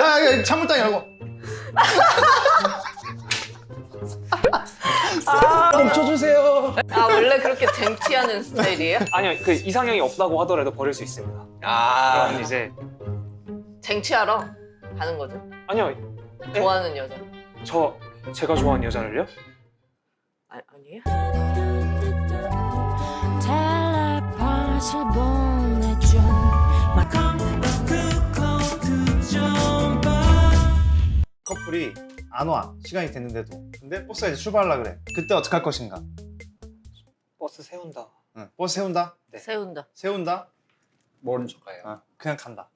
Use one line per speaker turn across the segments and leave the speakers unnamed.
야, 창문땅 열고. 멈춰주세요.
아 원래 그렇게 쟁취하는 스타일이에요?
아니요, 그 이상형이 없다고 하더라도 버릴 수 있습니다.
아.
그럼 이제
쟁취하러 가는 거죠?
아니요,
좋아하는 여자.
제가 좋아하는 여자를요?
아니에요?
커플이 안 와. 시간이 됐는데도. 근데 버스가 이제 출발하려 그래. 그때 어떡할 것인가?
버스 세운다.
응. 버스 세운다?
네.
세운다.
세운다?
모른 척 가요.
어, 그냥 간다.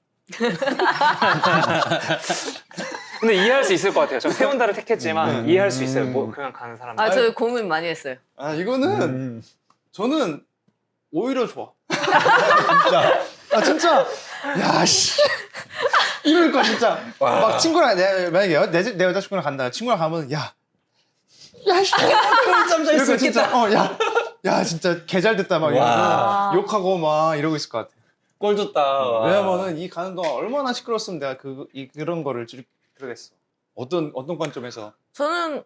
근데 이해할 수 있을 것 같아요. 저 세운다를 택했지만 이해할 수 있어요. 뭐 그냥 가는 사람.
아 저 고민 많이 했어요.
아, 이거는 저는 오히려 좋아. 진짜. 아, 진짜. 야, 씨. 이럴 거야, 진짜.
와.
막 친구랑, 만약에 내 여자친구랑 간다. 친구랑 가면, 야, 씨. 꿀잠 잘 수 있겠다. 야, 진짜 개 잘 됐다. 막
와.
이러고 욕하고 막 이러고 있을 것 같아.
꼴 좋다.
왜냐면은 이 가는 동안 얼마나 시끄러웠으면 내가 그런 거를 그러겠어. 어떤 관점에서.
저는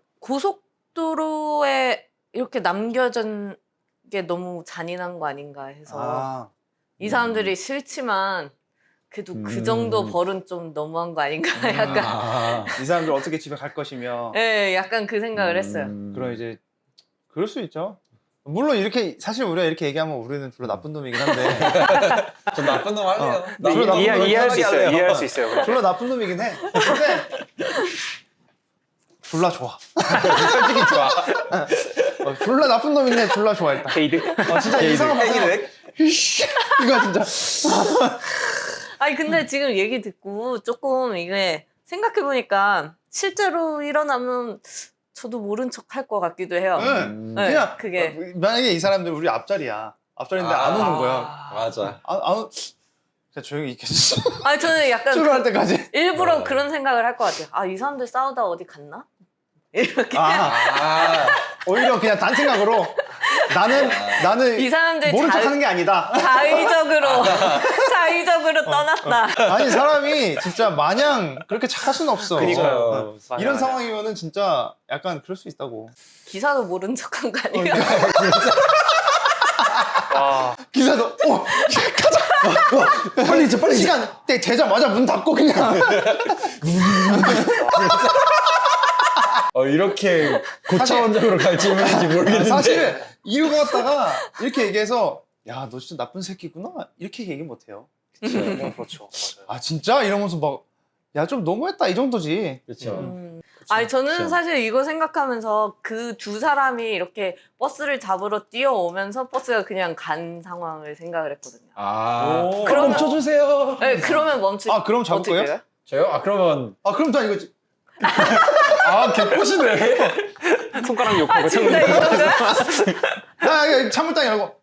고속도로에 이렇게 남겨진 게 너무 잔인한 거 아닌가 해서
아,
이 사람들이 싫지만 그래도 그 정도 벌은 좀 너무한 거 아닌가 약간
아.
이 사람들 어떻게 집에 갈 것이며.
예, 약간 그 생각을 했어요.
그럼 이제 그럴 수 있죠. 물론 이렇게 사실 우리가 이렇게 얘기하면 우리는 별로 나쁜 놈이긴 한데
좀 나쁜 놈 할래요.
별로 나쁜 놈
이해할 수
편하게
있어요.
할래요.
이해할 수 있어요.
별로 나쁜 놈이긴 해. 근데 졸라 좋아.
솔직히 좋아.
졸라 나쁜 놈인데 졸라 좋아 일단.
게이드.
진짜 이상한 거
땡이네.
이거 진짜.
아니 근데 지금 얘기 듣고 조금 이게 생각해보니까 실제로 일어나면 저도 모른 척 할 것 같기도 해요.
네.
네,
그냥
그게
만약에 이 사람들 우리 앞자리야. 앞자리인데 안 오는 거야.
맞아.
안 그냥 조용히 있겠어.
아니 저는 약간
출발할 때까지.
일부러 그런 생각을 할 것 같아요. 아 이 사람들 싸우다 어디 갔나? 이렇게
아.
오히려 그냥 단 생각으로 나는
이 사람들
모른 척하는 게 아니다.
자의적으로 떠났다.
아니 사람이 진짜 마냥 그렇게 착할 수는 없어.
그러니까요. 맞아,
이런
맞아.
상황이면은 진짜 약간 그럴 수 있다고.
기사도 모른 척한 거 아니에요?
와,
기사도 가자. 빨리 시간 되자마자 문 닫고 그냥.
이렇게 고차원적으로 갈 질문인지 모르겠는데.
사실 이유가 왔다가 이렇게 얘기해서 야 너 진짜 나쁜 새끼구나 이렇게 얘기 못 해요.
그렇죠. 맞아요.
아 진짜 이러면서 막 야 좀 너무했다 이 정도지.
그렇죠.
아니 저는
그쵸.
사실 이거 생각하면서 그 두 사람이 이렇게 버스를 잡으러 뛰어오면서 버스가 그냥 간 상황을 생각을 했거든요.
아.
그러면-
멈춰주세요.
네, 그러면 멈출.
아, 그럼 잡을
어떻게
거예요?
해요?
저요? 아 그러면
아 그럼 다 이거지. 아 개꼬시네.
손가락 욕하고
아 진짜 이 정도야?
야 창문땅 열고.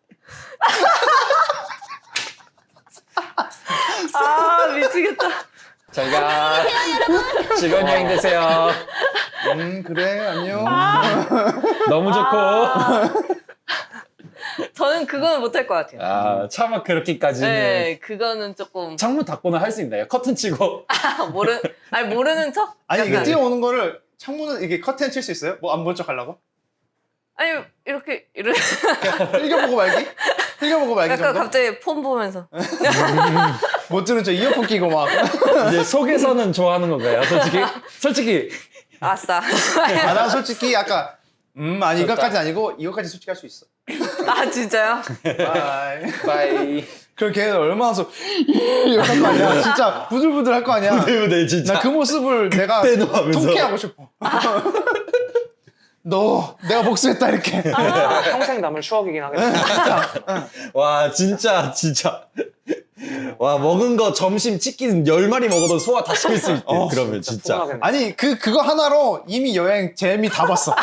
아 미치겠다.
저희가 즐거운 여행 되세요.
그래 안녕.
너무 좋고.
저는 그거는 못할 것 같아요.
아 차마 그렇게까지는.
네, 그거는 조금
창문 닫고는 할 수 있나요? 커튼 치고.
모르는 척?
아니 이게
약간.
뛰어오는 거를 창문은 이게 커튼 칠 수 있어요? 뭐 안 본 척 하려고?
아니 이렇게
흘겨보고 말기? 흘겨보고 말기
약간
정도?
갑자기 폰 보면서
못 들은 척 이어폰 끼고 막.
이제 속에서는 좋아하는 건가요? 솔직히.
아싸.
아, 난 솔직히 아까 아니 이거까지 아니고 이거까지 솔직히 할 수 있어.
아 진짜요?
바이.
바이.
그럼 걔는 얼마나 이렇게 할 거 아니야. 진짜 부들부들 할 거 아니야.
네 진짜.
나 그 모습을 내가
그때는 하면서.
통쾌하고 싶어. 너 내가 복수했다 이렇게.
평생 남을 추억이긴 하겠다.
와 진짜. 와 먹은 거 점심 치킨 10마리 먹어도 소화 다 시킬 수 있대. 그러면 진짜.
포근하겠네.
아니 그거 하나로 이미 여행 재미 다 봤어.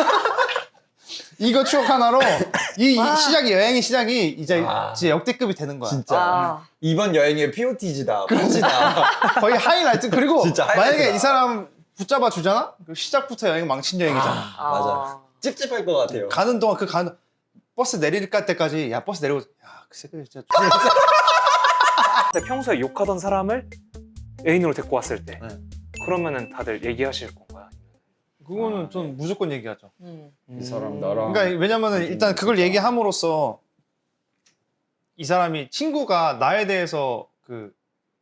이거 추억 하나로 이 시작이 여행의 시작이 이제 역대급이 되는 거야.
진짜.
아.
이번 여행의 POT지다. POT다.
거의 하이라이트. 그리고
진짜
만약에
하이라이트다.
이 사람 붙잡아 주잖아? 그 시작부터 여행 망친 여행이잖아.
맞아. 찝찝할 것 같아요.
가는 동안 버스 내릴 때까지 야 버스 내리고 야 그 새끼 진짜
근데 평소에 욕하던 사람을 애인으로 데리고 왔을 때
네.
그러면은 다들 얘기하실 건가요?
그거는 좀 무조건 얘기하죠.
이 사람 나랑
그러니까 왜냐면은 일단 그걸 얘기함으로써 이 사람이 친구가 나에 대해서 그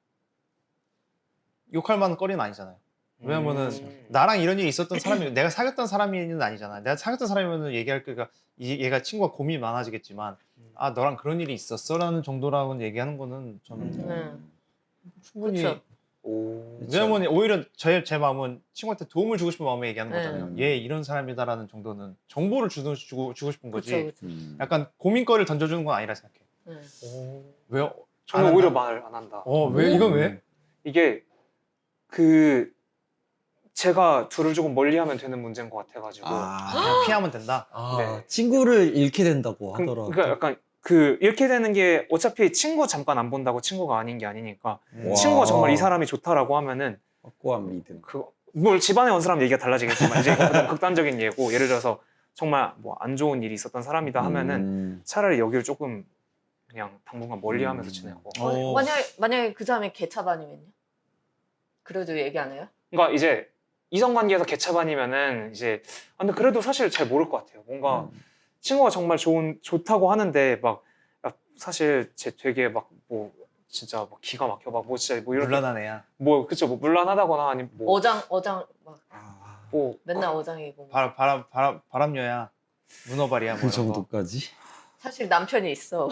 욕할 만한 거리는 아니잖아요. 왜냐면은 나랑 이런 일이 있었던 사람이 내가 사귀었던 사람이는 아니잖아. 내가 사귀었던 사람이면 얘기할 거가 얘가 친구가 고민이 많아지겠지만 아 너랑 그런 일이 있었어라는 정도라고는 얘기하는 거는 저는 충분히
그쵸.
오.
왜냐면 오히려 제 마음은 친구한테 도움을 주고 싶은 마음에 얘기하는
네.
거잖아요. 얘 이런 사람이다라는 정도는 정보를 주고 싶은 거지.
그쵸, 그쵸.
약간 고민거리를 던져주는 건 아니라 생각해.
네.
왜요?
저는
안
오히려
한다?
말 안 한다.
왜 이건 왜?
이게 그 제가 둘을 조금 멀리하면 되는 문제인 것 같아가지고.
그냥 피하면 된다.
네.
친구를 잃게 된다고 하더라고.
그러니까 약간 그 이렇게 되는 게 어차피 친구 잠깐 안 본다고 친구가 아닌 게 아니니까
와.
친구가 정말 이 사람이 좋다라고 하면은
확고한 믿음.
뭘 집안에 온 사람 얘기가 달라지겠지만 이제 이거 너무 극단적인 예고 예를 들어서 정말 뭐 안 좋은 일이 있었던 사람이다 하면은 차라리 여기를 조금 그냥 당분간 멀리하면서 지내고.
만약에 그 사람이 개차반이면요? 그래도 얘기 안 해요?
그러니까 이제 이성관계에서 개차반이면은 이제 근데 그래도 사실 잘 모를 것 같아요. 뭔가 친구가 정말 좋다고 하는데 막 사실 쟤 되게 막 뭐 진짜 막 기가 막혀 막 뭐 진짜 뭐 이런
물란한 애야.
뭐 그쵸 뭐 물란하다거나 아니면 뭐
어장 막
뭐
맨날 어장이고.
바람녀야. 문어발이야. 뭐
그
이런 거.
정도까지?
사실 남편이 있어.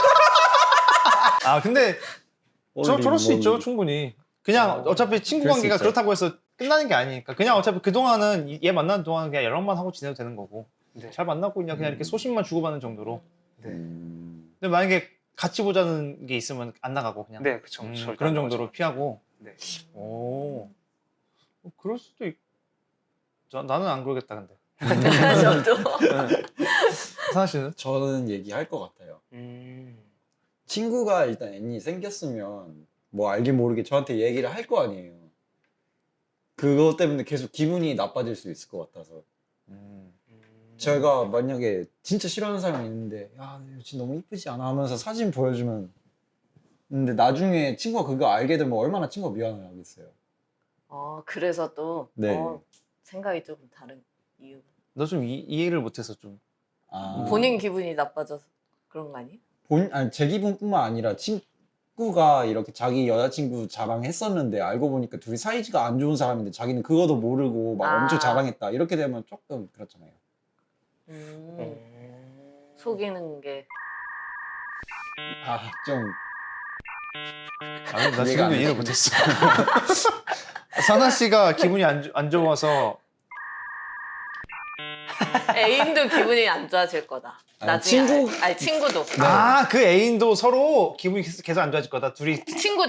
근데 저럴 수 있죠 충분히. 그냥 어차피 친구
그럴 수
관계가
있죠.
그렇다고 해서 끝나는 게 아니니까 그냥 어차피 그동안은 얘 만나는 동안은 그냥 연락만 하고 지내도 되는 거고
네.
잘 만나고 그냥 이렇게 소식만 주고받는 정도로.
네.
근데 만약에 같이 보자는 게 있으면 안 나가고 그냥
네, 그쵸. 절대
그런
안
정도로
나가죠.
피하고.
네.
그럴 수도 나는 안 그러겠다 근데.
저도.
사나 씨는?
저는 얘기할 것 같아요. 친구가 일단 애인이 생겼으면 뭐 알게 모르게 저한테 얘기를 할 거 아니에요. 그것 때문에 계속 기분이 나빠질 수 있을 것 같아서. 제가 만약에 진짜 싫어하는 사람이 있는데 야 여친 너무 이쁘지 않아 하면서 사진 보여주면 근데 나중에 친구가 그거 알게 되면 얼마나 친구가 미안해 하겠어요.
그래서 또
네.
생각이 조금 다른 이유.
너 좀 이해를 못해서 좀.
본인 기분이 나빠져서 그런 거 아니에요?
아니 제 기분뿐만 아니라 친구가 이렇게 자기 여자친구 자랑했었는데 알고 보니까 둘이 사이즈가 안 좋은 사람인데 자기는 그거도 모르고 막 엄청 자랑했다 이렇게 되면 조금 그렇잖아요.
속이는 게.
좀
나
이해가
지금도
안
이해를
되시네.
못했어. 사나 씨가 기분이 안 좋아서
애인도 기분이 안 좋아질 거다.
아니,
나중에 친구도.
그 애인도 서로 기분이 계속 안 좋아질 거다. 둘이.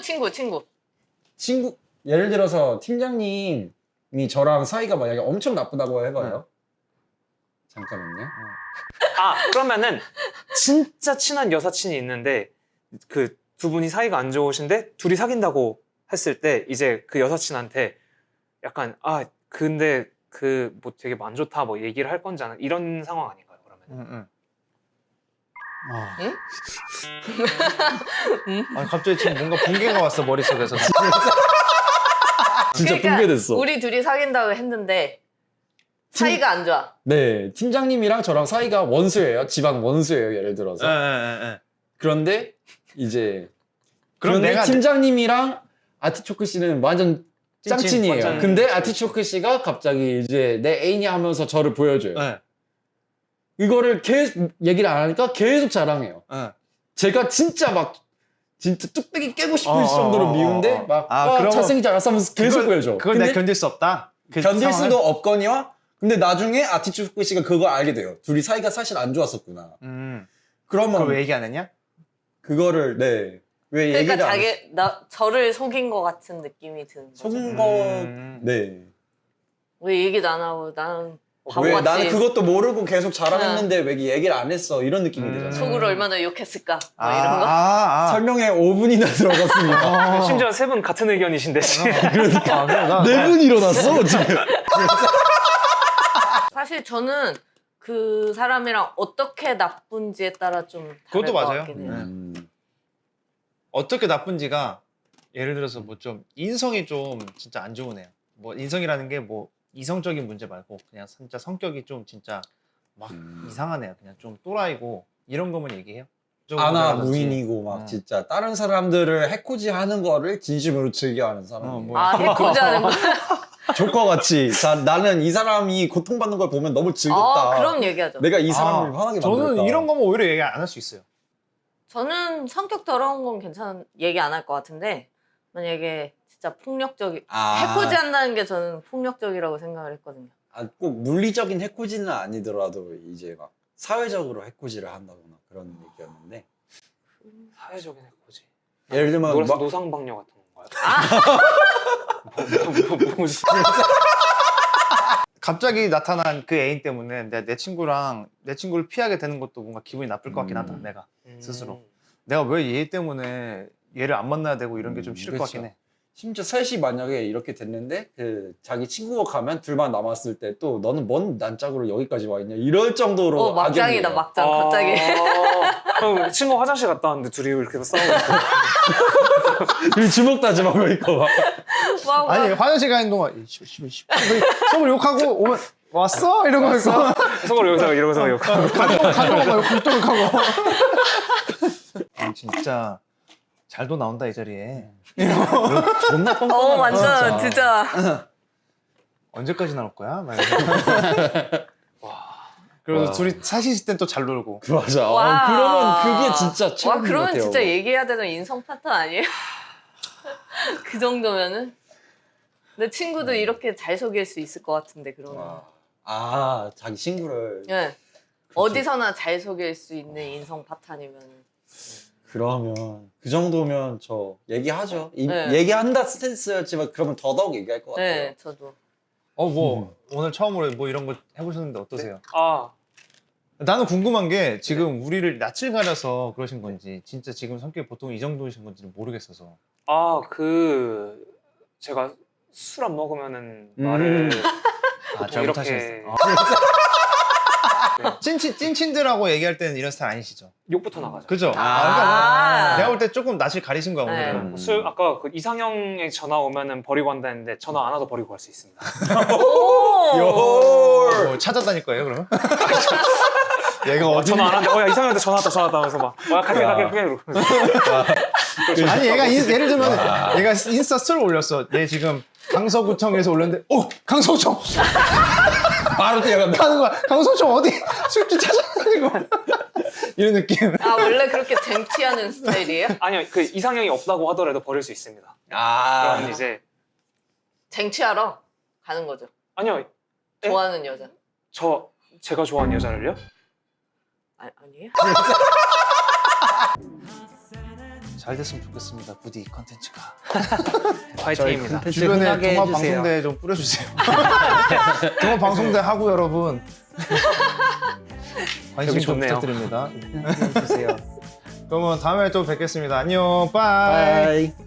친구.
예를 들어서 팀장님이 저랑 사이가 만약에 엄청 나쁘다고 해봐요. 잠깐만요.
그러면은 진짜 친한 여사친이 있는데 그 두 분이 사이가 안 좋으신데 둘이 사귄다고 했을 때 이제 그 여사친한테 약간 근데 그 뭐 되게 안 좋다 뭐 얘기를 할 건지 않아 이런 상황 아닌가요 그러면?
갑자기 지금 뭔가 붕괴가 왔어 머릿속에서.
진짜
그러니까
붕괴됐어.
우리 둘이 사귄다고 했는데 사이가 안 좋아.
네, 팀장님이랑 저랑 사이가 원수예요. 집안 원수예요, 예를 들어서. 그런데 이제
그럼
그런데
내가
팀장님이랑 아티초크 씨는 완전 짱친이에요.
완전
근데 아티초크 씨가 갑자기 이제 내 애인이 하면서 저를 보여줘요. 이거를 계속 얘기를 안 하니까 계속 자랑해요. 제가 진짜 뚝배기 깨고 싶을 정도로 미운데
그러면
잘생기지 않았어 하면서 계속 보여줘.
그걸 내가 견딜 수 없다.
견딜 수도 없거니와 근데 나중에 아티초크 씨가 그걸 알게 돼요. 둘이 사이가 사실 안 좋았었구나. 그러면
그걸 왜 얘기 안 했냐?
그거를 왜 얘기를
그러니까
안 했어?
저를 속인 것 같은 느낌이 드는 거죠.
속은 거 네.
왜 얘기도 안 하고 나는
왜
바보같이
나는 그것도 모르고 계속 자랑했는데 왜 얘기를 안 했어 이런 느낌이 들잖아.
속으로 얼마나 욕했을까 뭐 이런 거.
설명에 5분이나 들어갔습니다.
심지어 세 분 같은 의견이신데 지금.
네 분 일어났어 지금.
사실 저는 그 사람이랑 어떻게 나쁜지에 따라 좀 다를
그것도
것
맞아요.
같긴 해요.
어떻게 나쁜지가 예를 들어서 뭐 좀 인성이 좀 진짜 안 좋은 애야. 뭐 인성이라는 게 뭐 이성적인 문제 말고 그냥 진짜 성격이 좀 진짜 막 이상한 애야. 그냥 좀 또라이고 이런 거면 얘기해요. 좀
아나
그러든지.
무인이고 막 진짜 다른 사람들을 해코지 하는 거를 진심으로 즐겨하는 사람이에요.
뭐
아 해코지 하는 거.
조커 같이 나는 이 사람이 고통받는 걸 보면 너무 즐겁다.
그럼 얘기하죠.
내가 이 사람을 화나게 만들었다.
저는 이런 거면 오히려 얘기 안 할 수 있어요.
저는 성격 더러운 건 얘기 안 할 것 같은데 만약에 진짜 폭력적이 해코지 한다는 게 저는 폭력적이라고 생각을 했거든요.
꼭 물리적인 해코지는 아니더라도 이제 막 사회적으로 해코지를 한다거나 그런 얘기였는데
사회적인 해코지.
예를 들면 막
노상방뇨 같은 건가요?
갑자기 나타난 그 애인 때문에 내 친구를 피하게 되는 것도 뭔가 기분이 나쁠 것 같긴 하다. 내가 스스로. 내가 왜 얘 때문에 얘를 안 만나야 되고 이런 게 좀 싫을 것
그렇죠.
같긴 해.
심지어 셋이 만약에 이렇게 됐는데 그 자기 친구가 가면 둘만 남았을 때 또 너는 뭔 난짝으로 여기까지 와 있냐 이럴 정도로
막장이다
악연이에요.
막장 갑자기.
그럼 친구 화장실 갔다 왔는데 둘이 이렇게 싸우고
그 주먹 다짐하고 있고 막.
막,
아니 화장실 가는 동안 서로 욕하고 오면 왔어? 이러고 있고
서로 여기서 이러면서 욕하고
간동하고 욕하고 진짜 잘도 나온다 이 자리에.
존나 뻔뻔하다.
완전 진짜.
언제까지 나올 거야? 막 이러면서. 그래서
와.
둘이 사실 있을 땐 또 잘 놀고.
맞아.
와.
그러면 그게 진짜 최고인 것
그러면
같아요.
진짜 얘기해야 되는 인성 파탄 아니에요? 그 정도면은? 내 친구도 이렇게 잘 속일 수 있을 것 같은데 그러면.
자기 친구를.
네. 어디서나 잘 속일 수 있는 인성 파탄이면.
그러면 그 정도면 저 얘기하죠.
네.
얘기한다 스탠스였지만 그러면 더더욱 얘기할 것 같아요.
네, 저도.
오늘 처음으로 뭐 이런 거 해보셨는데 어떠세요?
아
나는 궁금한 게 지금 우리를 낯을 가려서 그러신 건지 진짜 지금 성격이 보통 이 정도이신 건지는 모르겠어서.
제가 술 안 먹으면은 말을
잘못하셨어요. 찐친들하고 얘기할 때는 이런 스타일 아니시죠?
욕부터 나가죠.
그죠?
아.
내가 볼 때 조금 낯을 가리신 거야
네.
오늘은.
아까 그 이상형의 전화 오면은 버리고 한다는데 전화 안 와도 버리고 갈 수 있습니다.
오!
뭐 찾아다닐 거예요 그러면? 얘가 어디?
전화 안 하는데 이상형한테 전화 왔다 하면서 막 갈게 이러고.
아니 얘가 예를 들면 얘가 인스타 스토리 올렸어. 얘 지금 강서구청에서 올렸는데 강서구청
바로 뛰어간다.
가는 거야. 강서구청 어디 술집 찾아다니고 이런 느낌.
원래 그렇게 쟁취하는 스타일이에요?
아니요 그 이상형이 없다고 하더라도 버릴 수 있습니다. 그럼 이제
쟁취하러 가는 거죠.
아니요
좋아하는 여자.
제가 좋아하는 여자를요?
아니에요?
잘 됐으면 좋겠습니다. 부디 이 컨텐츠가.
화이팅입니다.
주변에 동화 방송대 좀 뿌려주세요. 동화 방송대 하고 여러분 관심 좀
좋네요.
부탁드립니다.
해주세요.
그러면 다음에 또 뵙겠습니다. 안녕, 빠이.
바이.